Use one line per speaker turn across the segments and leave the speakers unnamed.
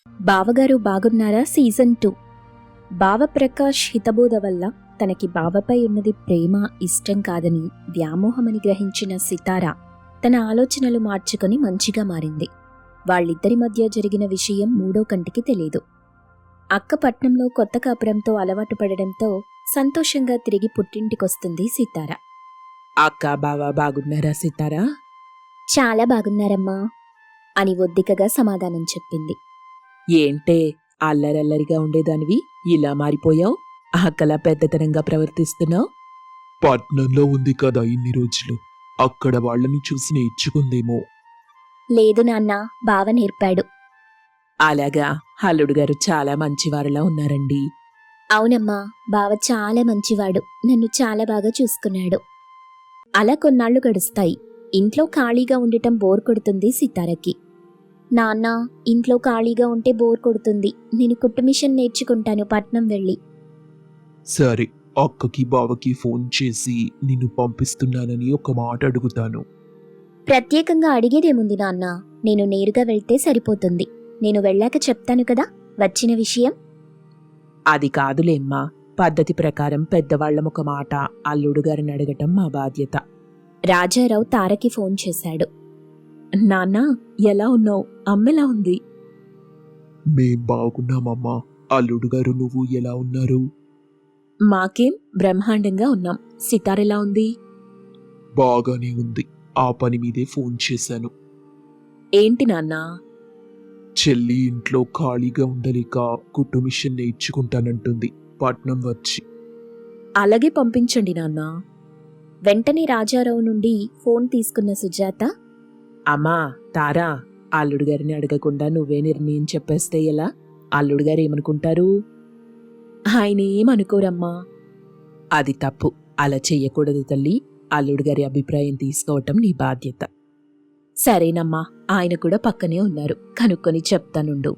బావగారు బాగున్నారా సీజన్ 2. బావప్రకాష్ హితబోధ వల్ల తనకి బావపై ఉన్నది ప్రేమ ఇష్టం కాదని వ్యామోహమని గ్రహించిన సితార తన ఆలోచనలు మార్చుకొని మంచిగా మారింది. వాళ్ళిద్దరి మధ్య జరిగిన విషయం మూడో కంటికి తెలీదు. అక్క పట్నంలో కొత్త కాపురంతో అలవాటు పడడంతో సంతోషంగా తిరిగి పుట్టింటికొస్తుంది సితార.
అక్క బావ బాగున్నారా సితారా?
చాలా బాగున్నారమ్మా అని ఒద్దికగా సమాధానం చెప్పింది.
ఏంటే అల్లరల్లరిగా ఉండేదానివి ఇలా మారిపోయావు? అక్కలా పెద్దతనంగా ప్రవర్తిస్తున్నావు?
పట్నంలో ఉంది కదా ఇన్ని రోజులు, అక్కడ వాళ్ళని చూసి నేర్చుకుందేమో.
లేదు నాన్న, బావ నేర్పాడు.
అలాగా, అల్లుడు గారు చాలా మంచివారిలా ఉన్నారండి.
అవునమ్మా, బావ చాలా మంచివాడు, నన్ను చాలా బాగా చూసుకున్నాడు. అలా కొన్నాళ్లు గడుస్తాయి. ఇంట్లో ఖాళీగా ఉండటం బోర్ కొడుతుంది సితారకి. నాన్న, ఇంట్లో ఖాళీగా ఉంటే బోర్ కొడుతుంది, నేను కుట్టు మిషన్ నేర్చుకుంటాను పట్నం వెళ్ళి.
సరే, అక్కకి బావకి ఫోన్ చేసి నిన్ను పంపిస్తున్నానని ఒక మాట అడుగుతాను.
ప్రత్యేకంగా అడిగేదేముంది నాన్న, నేను నేరుగా వెళ్తే సరిపోతుంది. నేను వెళ్ళాక చెప్తాను కదా వచ్చిన విషయం.
అది కాదులేమ్మా, పద్ధతి ప్రకారం పెద్దవాళ్లం ఒక మాట, అల్లుడు గారిని అడగటం మా బాధ్యత.
రాజారావు తారకి ఫోన్ చేశాడు.
నాన్న, ఎలా ఉన్నావు? అమ్మెలా ఉంది?
మేం బాగున్నామమ్మా. అల్లుడు గారు నువ్వు ఎలా ఉన్నారు?
మాకేం బ్రహ్మాండంగా ఉన్నాం. సితారెలా ఉంది?
బాగానే ఉంది. ఆ పని మీదే ఫోన్ చేశాను.
ఏంటి నాన్నా?
చెల్లి ఇంట్లో ఖాళీగా ఉండలేక కుట్టు మిషన్ నేర్చుకుంటానంటుంది పట్నం వచ్చి.
అలాగే పంపించండి నాన్నా.
వెంటనే రాజారావు నుండి ఫోన్ తీసుకున్న సుజాత,
అమ్మా తారా, అల్లుడు గారిని అడగకుండా నువ్వే నిర్ణయం చెప్పేస్తే ఎలా? అల్లుడు గారు ఏమనుకుంటారు? ఆయన ఏమనుకోరమ్మా. అది తప్పు, అలా చెయ్యకూడదు తల్లి. అల్లుడు గారి అభిప్రాయం తీసుకోవటం నీ బాధ్యత. సరేనమ్మా, ఆయన కూడా పక్కనే ఉన్నారు, కనుక్కొని చెప్తానుండు.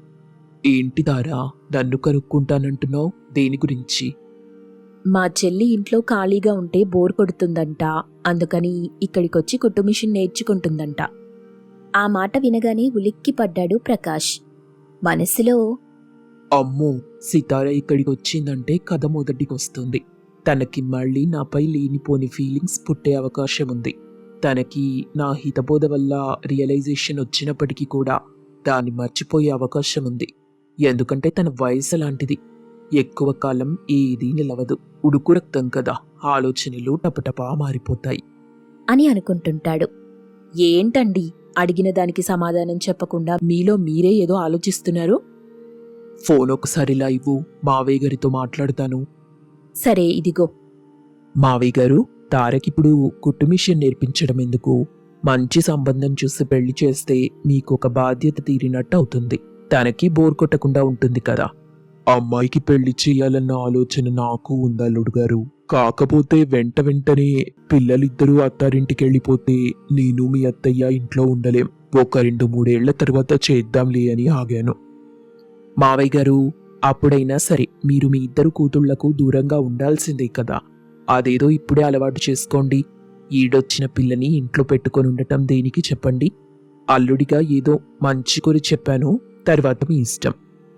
ఏంటి తారా, నన్ను కనుక్కుంటానంటున్నావు? దేని గురించి?
మా చెల్లి ఇంట్లో ఖాళీగా ఉంటే బోర్ కొడుతుందంట, అందుకని ఇక్కడికొచ్చి కుట్టు మిషన్ నేర్చుకుంటుందంట.
ఆ మాట వినగానే ఉలిక్కి పడ్డాడు ప్రకాష్. మనసులో,
అమ్మో, సితార ఇక్కడికి వచ్చిందంటే కథ మొదటికొస్తుంది. తనకి మళ్ళీ నాపై లేనిపోని ఫీలింగ్స్ పుట్టే అవకాశం ఉంది. తనకి నా హితబోధ వల్ల రియలైజేషన్ వచ్చినప్పటికీ కూడా దాన్ని మర్చిపోయే అవకాశం ఉంది. ఎందుకంటే తన వయసు లాంటిది, ఎక్కువ కాలం ఏదీ నిలవదు. ఉడుకు రక్తం కదా, ఆలోచనలు టపటపా మారిపోతాయి
అని అనుకుంటుంటాడు.
ఏంటండి, అడిగిన దానికి సమాధానం చెప్పకుండా మీలో మీరే ఏదో ఆలోచిస్తున్నారు?
ఫోన్ ఒకసారిలా ఇవ్వు, మావయ్య గారితో మాట్లాడతాను.
సరే, ఇదిగో.
మావయ్య గారు, తారకిప్పుడు కుట్టు మిషన్ నేర్పించడం ఎందుకు? మంచి సంబంధం చూసి పెళ్లి చేస్తే మీకు ఒక బాధ్యత తీరినట్టు అవుతుంది. తనకి బోర్ కొట్టకుండా ఉంటుంది కదా. అమ్మాయికి పెళ్లి చేయాలన్న ఆలోచన నాకు ఉంది అల్లుడు గారు. కాకపోతే వెంటనే పిల్లలిద్దరూ అత్తారింటికి వెళ్ళిపోతే నేను మీ అత్తయ్య ఇంట్లో ఉండలేం. ఒక 2-3 ఏళ్ల తర్వాత చేద్దాంలే అని ఆగాను.
మావయ్య గారు, అప్పుడైనా సరే మీరు మీ ఇద్దరు కూతుళ్లకు దూరంగా ఉండాల్సిందే కదా. అదేదో ఇప్పుడే అలవాటు చేసుకోండి. ఈడొచ్చిన పిల్లని ఇంట్లో పెట్టుకొని ఉండటం దేనికి చెప్పండి? అల్లుడిగా ఏదో మంచి కొరి చెప్పాను, తర్వాత మీ ఇష్టం.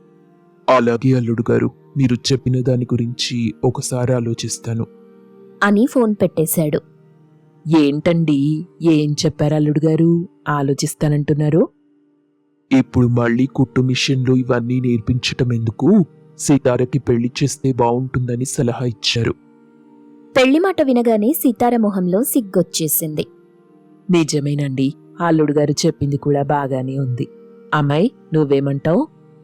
అలాగే అల్లుడు గారు, మీరు చెప్పిన దాని గురించి ఒకసారి ఆలోచిస్తాను
అని ఫోన్ పెట్టేశాడు.
ఏంటండి, ఏం చెప్పారు అల్లుడు గారు? ఆలోచిస్తానంటున్నారు.
ఇప్పుడు మళ్ళీ కుట్టు మిషన్లు ఇవన్నీ నేర్పించటం ఎందుకు? సీతారకి పెళ్లి చేస్తే బావుంటుందని సలహా ఇచ్చారు.
పెళ్లి మాట వినగానే సితార మొహంలో సిగ్గొచ్చేసింది.
నిజమేనండి, అల్లుడు గారు చెప్పింది కూడా బాగానే ఉంది. అమ్మాయి, నువ్వేమంటావు?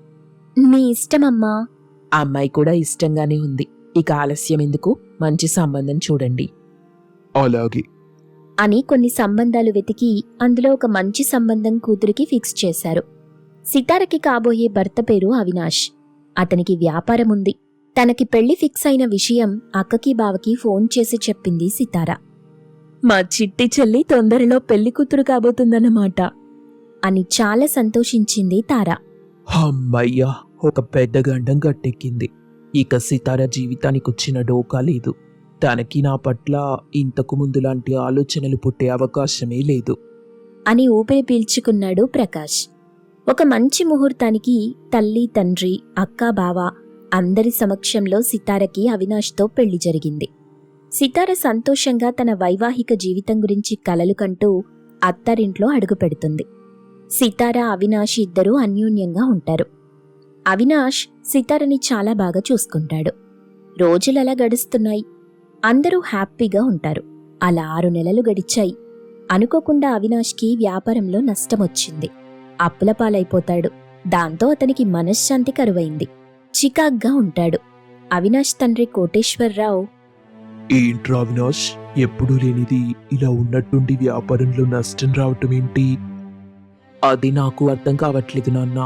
మీ ఇష్టమమ్మా.
అమ్మాయి కూడా ఇష్టంగానే ఉంది. ఇక ఆలస్యం ఎందుకు, మంచి సంబంధం చూడండి.
అలాగే
అని కొన్ని సంబంధాలు వెతికి అందులో ఒక మంచి సంబంధం కూతురికి ఫిక్స్ చేశారు. సితారకి కాబోయే భర్త పేరు అవినాష్. అతనికి వ్యాపారం ఉంది. తనకి పెళ్లి ఫిక్స్ అయిన విషయం అక్కకి బావకి ఫోన్ చేసి చెప్పింది సితార.
మా చిట్టి చెల్లి తొందరలో పెళ్లి కూతురు కాబోతుందన్నమాట
అని చాలా సంతోషించింది తార.
అమ్మయ్యా, ఒక పెద్ద గండం గట్టెక్కింది. ఇక సితార జీవితానికి వచ్చిన డోకా లేదు. తనకి నా పట్ల ఇంతకు ముందు లాంటి ఆలోచనలు పుట్టే అవకాశమే లేదు
అని ఊపిరి పీల్చుకున్నాడు ప్రకాష్. ఒక మంచి ముహూర్తానికి తల్లి తండ్రి అక్క బావ అందరి సమక్షంలో సితారకి అవినాష్తో పెళ్లి జరిగింది. సితార సంతోషంగా తన వైవాహిక జీవితం గురించి కలలు కంటూ అత్తారింట్లో అడుగుపెడుతుంది. సితార అవినాష్ ఇద్దరూ అన్యోన్యంగా ఉంటారు. అవినాష్ సితారని చాలా బాగా చూసుకుంటాడు. రోజులలా గడుస్తున్నాయి. అందరూ హ్యాపీగా ఉంటారు. అలా 6 నెలలు గడిచాయి. అనుకోకుండా అవినాష్కి వ్యాపారంలో నష్టమొచ్చింది. అప్పుల పాలైపోతాడు. దాంతో అతనికి మనశ్శాంతి కరువైంది. చికాగ్గా ఉంటాడు. అవినాష్ తండ్రి కోటేశ్వరరావు,
ఏంట్రా అవినాష్, ఎప్పుడూ లేనిది ఇలా ఉన్నట్టుండి వ్యాపారంలో నష్టం రావటం ఏంటి? అది నాకు అర్థం కావట్లేదు నాన్న.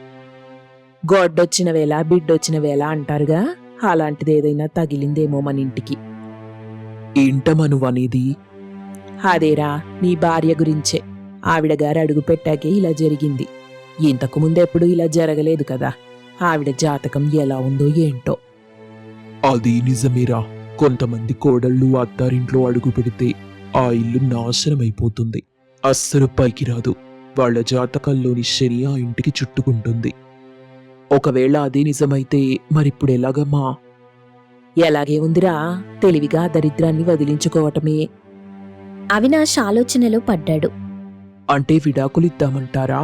గొడ్డొచ్చిన వేళ బిడ్డొచ్చిన వేళ అంటారుగా, అలాంటిది ఏదైనా తగిలిందేమో మన ఇంటికి.
ఏంటమ్మా నువ్వు అనేది?
అదేరా, నీ భార్య గురించే. ఆవిడ గారు అడుగు పెట్టాకే ఇలా జరిగింది. ఇంతకు ముందెప్పుడు ఇలా జరగలేదు కదా. ఆవిడ జాతకం ఎలా ఉందో ఏంటో.
అది నిజమేరా. కొంతమంది కోడళ్ళు అత్తారింట్లో అడుగు పెడితే ఆ ఇల్లు నాశనమైపోతుంది. అస్సలు పైకి రాదు. వాళ్ళ జాతకాల్లోని శని ఆ ఇంటికి చుట్టుకుంటుంది. ఒకవేళ అదే నిజమైతే మరిప్పుడు ఎలాగమ్మా?
ఎలాగే ఉందిరా, తెలివిగా దరిద్రాన్ని వదిలించుకోవటమే.
అవినాష్ ఆలోచనలో పడ్డాడు.
అంటే విడాకులిద్దామంటారా?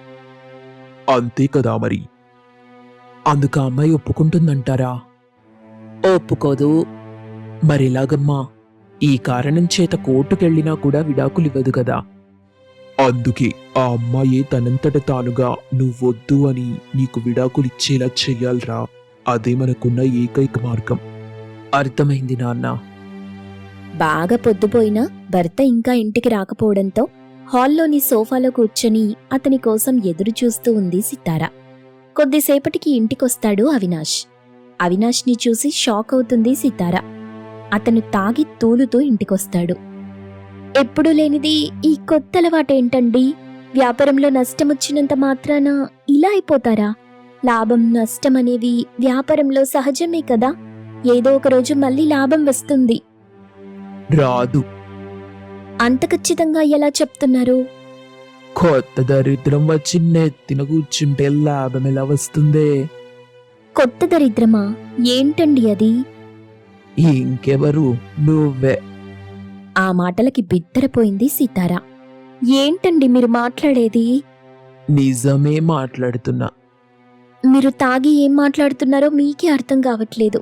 అంతే కదా మరి. అందుకు ఆ అమ్మాయి ఒప్పుకుంటుందంటారా?
ఒప్పుకోదు.
మరెలాగమ్మా? ఈ కారణం చేత కోర్టుకెళ్ళినా కూడా విడాకులివ్వదు కదా. అందుకే ఆ అమ్మాయే తనంతట తానుగా నువ్వొద్దు అని నీకు విడాకులిచ్చేలా చెయ్యాలరా. అదే మనకున్న ఏకైక మార్గం.
అర్థమైంది నాన్న.
బాగా పొద్దుపోయినా భర్త ఇంకా ఇంటికి రాకపోవడంతో హాల్లోని సోఫాలో కూర్చొని అతని కోసం ఎదురు చూస్తూ ఉంది సితార. కొద్దిసేపటికి ఇంటికొస్తాడు అవినాష్. అవినాష్ని చూసి షాక్ అవుతుంది సితార. అతను తాగి తూలుతూ ఇంటికొస్తాడు. ఎప్పుడూ లేనిది ఈ కొత్త అలవాటేంటండి? వ్యాపారంలో నష్టమొచ్చినంత మాత్రాన ఇలా అయిపోతారా? లాభం నష్టం అనేవి వ్యాపారంలో సహజమే కదా. ఏదో ఒక రోజు మళ్ళీ లాభం వస్తుంది.
రాదు.
అంత ఖచ్చితంగా ఎలా చెప్తున్నారు?
కొత్త దరిద్రం వచ్చి నెత్తిన కూర్చుంటే లాభం ఎలా వస్తుందే?
కొత్త దరిద్రమా? ఏంటండి అది?
ఇంకెవరు? నువ్వే.
ఆ మాటలకి బిత్తరపోయింది సితార. ఏంటండి మీరు మాట్లాడేది?
నిజమే మాట్లాడుతున్నా.
మీరు తాగి ఏం మాట్లాడుతున్నారో మీకే అర్థం కావట్లేదు.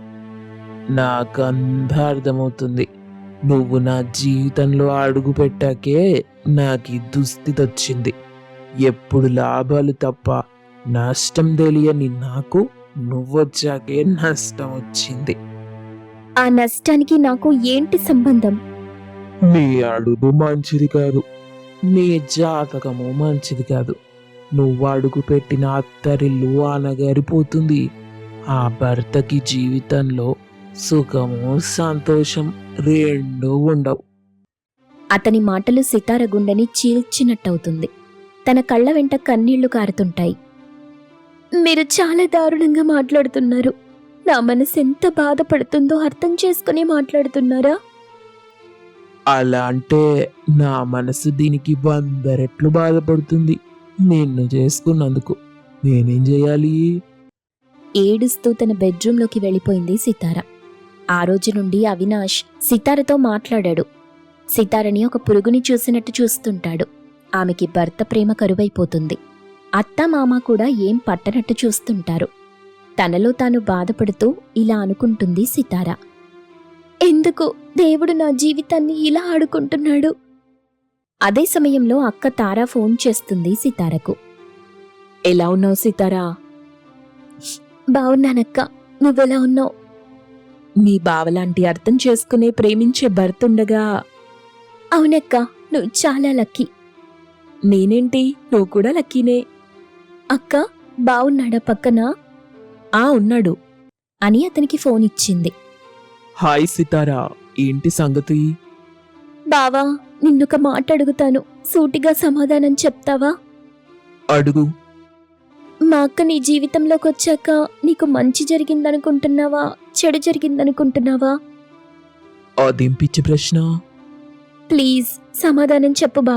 నాకంతా అర్థమవుతుంది. నువ్వు నా జీవితంలో అడుగు పెట్టాకే నాకు దుస్థితి వచ్చింది. ఎప్పుడు లాభాలు తప్ప నష్టం తెలియని నాకు నువ్వొచ్చాకే నష్టం వచ్చింది.
ఆ నష్టానికి నాకు ఏంటి సంబంధం?
నీ అడుగు మంచిది కాదు. నీ జాతకము మంచిది కాదు. నువ్వు అడుగు పెట్టిన అత్తరిల్లు అనగారిపోతుంది. ఆ భర్తకి జీవితంలో సుఖము సంతోషం రెండూ ఉండవు.
అతని మాటలు సితార గుండెని చీల్చినట్టవుతుంది. తన కళ్ళ వెంట కన్నీళ్లు కారుతుంటాయి. మీరు చాలా దారుణంగా మాట్లాడుతున్నారు. నా మనసు ఎంత బాధపడుతుందో అర్థం చేసుకుని మాట్లాడుతున్నారా?
అలా అంటే నా మనసు దీనికి 100 రెట్లు బాధపడుతుంది. నిన్ను చేసుకున్నందుకు నేనేం చేయాలి?
ఏడుస్తూ తన బెడ్రూంలోకి వెళ్ళిపోయింది సితార. ఆ రోజు నుండి అవినాష్ సితారతో మాట్లాడాడు. సితారని ఒక పురుగుని చూసినట్టు చూస్తుంటాడు. ఆమెకి భర్త ప్రేమ కరువైపోతుంది. అత్తా మామ కూడా ఏం పట్టనట్టు చూస్తుంటారు. తనలో తాను బాధపడుతూ ఇలా అనుకుంటుంది సితార. ఎందుకు దేవుడు నా జీవితాన్ని ఇలా ఆడుకుంటున్నాడు? అదే సమయంలో అక్క తారా ఫోన్ చేస్తుంది సితారకు.
ఎలా ఉన్నావు సితారా?
బావున్నానక్క, నువ్వెలా ఉన్నావు?
నీ బావలాంటి అర్థం చేసుకునే ప్రేమించే భర్తుండగా.
అవునక్క, నువ్వు చాలా లక్కీ.
నేనేంటి, నువ్వు కూడా లక్కీనే.
అక్క, బావున్నాడా పక్కన?
ఉన్నాడు
అని అతనికి ఫోన్ ఇచ్చింది.
హాయ్ సితారా, ఏంటి సంగతి?
బావా, నిన్నొక మాట అడుగుతాను, సూటిగా సమాధానం చెప్తావా?
అడుగు.
మా అక్క నీ జీవితంలోకి వచ్చాక నీకు మంచి జరిగిందనుకుంటున్నావా, చెడు జరిగిందనుకుంటున్నావా?
అదేం పిచ్చి ప్రశ్న?
ప్లీజ్ సమాధానం చెప్పు బావా.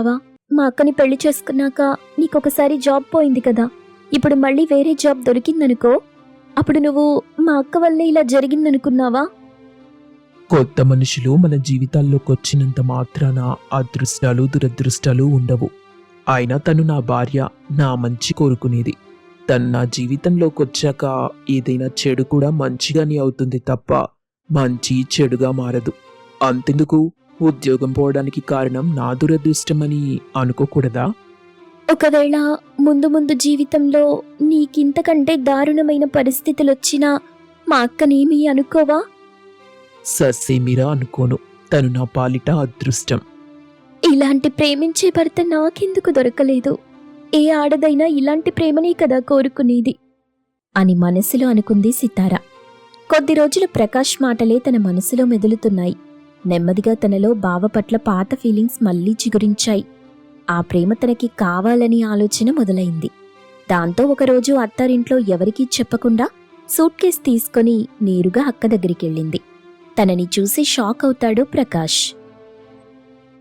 మా అక్కని పెళ్లి చేసుకున్నాక నీకొకసారి జాబ్ పోయింది కదా, ఇప్పుడు మళ్ళీ వేరే జాబ్ దొరికిందనుకో, అప్పుడు నువ్వు మా అక్క వల్లే ఇలా జరిగిందనుకున్నావా?
కొత్త మనుషులు మన జీవితాల్లోకి వచ్చినంత మాత్రాన అదృష్టాలు దురదృష్టాలు ఉండవు. అయినా తను నా భార్య, నా మంచి కోరుకునేది. తను నా జీవితంలోకి వచ్చాక ఏదైనా చెడు కూడా మంచిగానే అవుతుంది తప్ప మంచి చెడుగా మారదు. అంతెందుకు, ఉద్యోగం పోవడానికి కారణం నా దురదృష్టమని అనుకోకూడదా?
ఒకవేళ ముందు ముందు జీవితంలో నీకింతకంటే దారుణమైన పరిస్థితులొచ్చినా మా అక్కనేమీ అనుకోవా?
ససేమిరా అనుకోను. తను నా పాలిట అదృష్టం.
ఇలాంటి ప్రేమించే భర్త నాకెందుకు దొరకలేదు? ఏ ఆడదైనా ఇలాంటి ప్రేమనే కదా కోరుకునేది అని మనసులో అనుకుంది సితార. కొద్ది రోజులు ప్రకాష్ మాటలే తన మనసులో మెదులుతున్నాయి. నెమ్మదిగా తనలో బావ పట్ల పాత ఫీలింగ్స్ మళ్లీ చిగురించాయి. ఆ ప్రేమ తనకి కావాలని ఆలోచన మొదలైంది. దాంతో ఒకరోజు అత్తారింట్లో ఎవరికీ చెప్పకుండా సూట్ కేస్ తీసుకొని నేరుగా అక్క దగ్గరికెళ్ళింది. తనని చూసి షాక్ అవుతాడు ప్రకాష్.